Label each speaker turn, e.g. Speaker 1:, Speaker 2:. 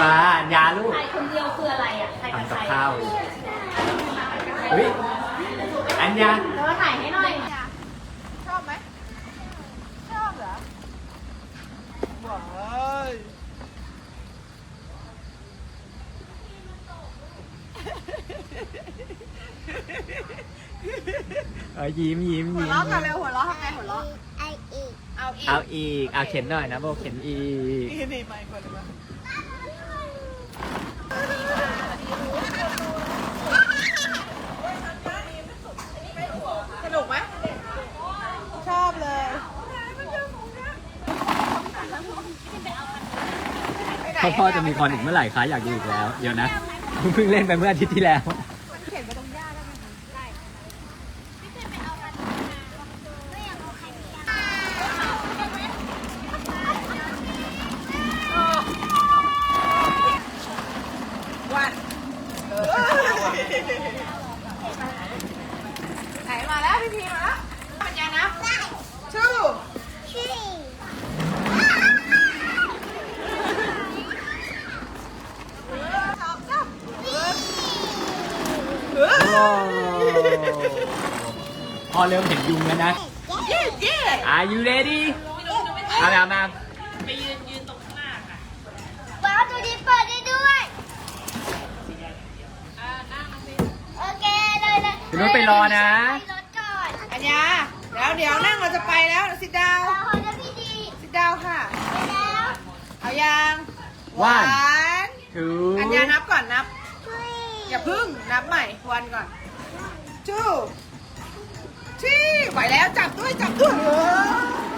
Speaker 1: มาอัญญาลูก
Speaker 2: ถ่ายคนเดียวคืออะไรอ่ะถ่ายกับ
Speaker 1: ทำกับ
Speaker 2: ใคร
Speaker 1: ข้าวอยู่เฮ้ยอัญญา
Speaker 2: แล้วถ่ายให้หน่อย
Speaker 3: ชอบไหมชอบเหรอว้าย
Speaker 1: ยิ้มยิ้ม
Speaker 3: หัว
Speaker 1: ยิ้ม
Speaker 3: เราะกันเร็วหัวเราะทำไงหัวเราะเอาอีก
Speaker 1: เอาอีกเอาเข็นหน่อยนะโบเข็นอีก
Speaker 3: นี่ไปคนเลยมั้ยสนุกไหมชอบเลย
Speaker 1: พ่อจะมีคอนอีกเมื่อไหร่คะอยากดูอีกแล้วเดี๋ยวนะเพิ่งเล่นไปเมื่ออาทิตย์ที่แล้ว
Speaker 3: เข็นไปตรงหญ้าได้ไหมได้วันไหนมาแล้วพี่พีมาแล้วปัญญานะชื่อ
Speaker 1: พอเริ่มเห็นยุงแล้วนะ Are you ready เอาแล้วมา
Speaker 4: ว้าวตัวนี้เปิดได้ด้วยโอเคเลยเลย
Speaker 1: คุณนุ้ยไปรอนะ
Speaker 4: ไปรถก่อน
Speaker 3: อัญญาเดี๋ยวนั่งเราจะไปแล้วสิดาว
Speaker 4: รอนะพี่ดี
Speaker 3: สิดาวค่ะ
Speaker 4: ไปแล้ว
Speaker 3: เอายัง
Speaker 1: One
Speaker 3: น
Speaker 1: two
Speaker 3: อัญญานับก่อนนับ
Speaker 4: ช่วย
Speaker 3: อย่าพึ่งนับใหม่วันก่อน two ที่ไหวแล้วจับด้วย